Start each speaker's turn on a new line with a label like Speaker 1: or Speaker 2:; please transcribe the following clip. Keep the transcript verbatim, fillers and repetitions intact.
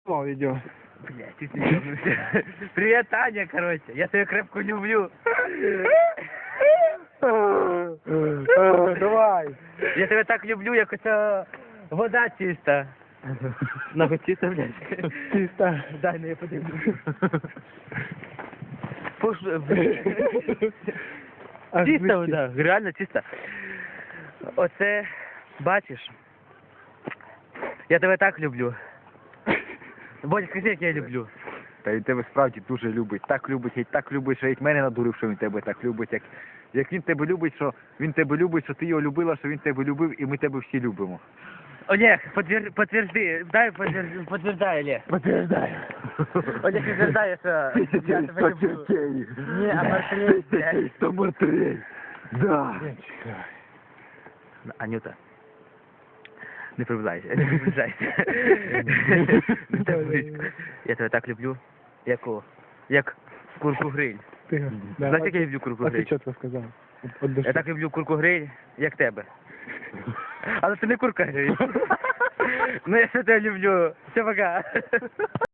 Speaker 1: О, видео.
Speaker 2: Блядь, ты ёбнулся. Привет, Таня, короче. Я тебя крепко люблю.
Speaker 1: Давай.
Speaker 2: Я тебе так люблю, як оця вода чиста. Нахуй чиста, блядь.
Speaker 1: Чисто.
Speaker 2: Дай, ну я подивлюсь. Пуш...
Speaker 1: Аж
Speaker 2: Чиста
Speaker 1: близько.
Speaker 2: вода, реально чиста. Оце, бачиш? Я тебе так люблю. Бодя, скажи, як я люблю.
Speaker 3: Та він тебе справді дуже любить. Так любить, і так любить, що і мене надурив, що він тебе так любить. Як, як він тебе любить, що він тебе любить, що ти його любила, що він тебе любив, і ми тебе всі любимо.
Speaker 2: Олег, подтвер... подтверди, дай подтвер... подтверждай, Олег.
Speaker 1: Подтверждаю.
Speaker 2: Олег підтверждає, що я тебе люблю. Ні, а Марселей, блядь.
Speaker 3: Сто мертвей. Да.
Speaker 2: Анюта, не приближайся, не приближайся. Не так близько. Я тебе так люблю, як о, як курку гриль.
Speaker 1: Ти, да.
Speaker 2: Знаєш, як я люблю курку
Speaker 1: А ти
Speaker 2: гриль?
Speaker 1: чітко сказав. От душі.
Speaker 2: Я так люблю курку гриль, як тебе. Але це не курка гриль. Ну я все тебе люблю. Все, пока.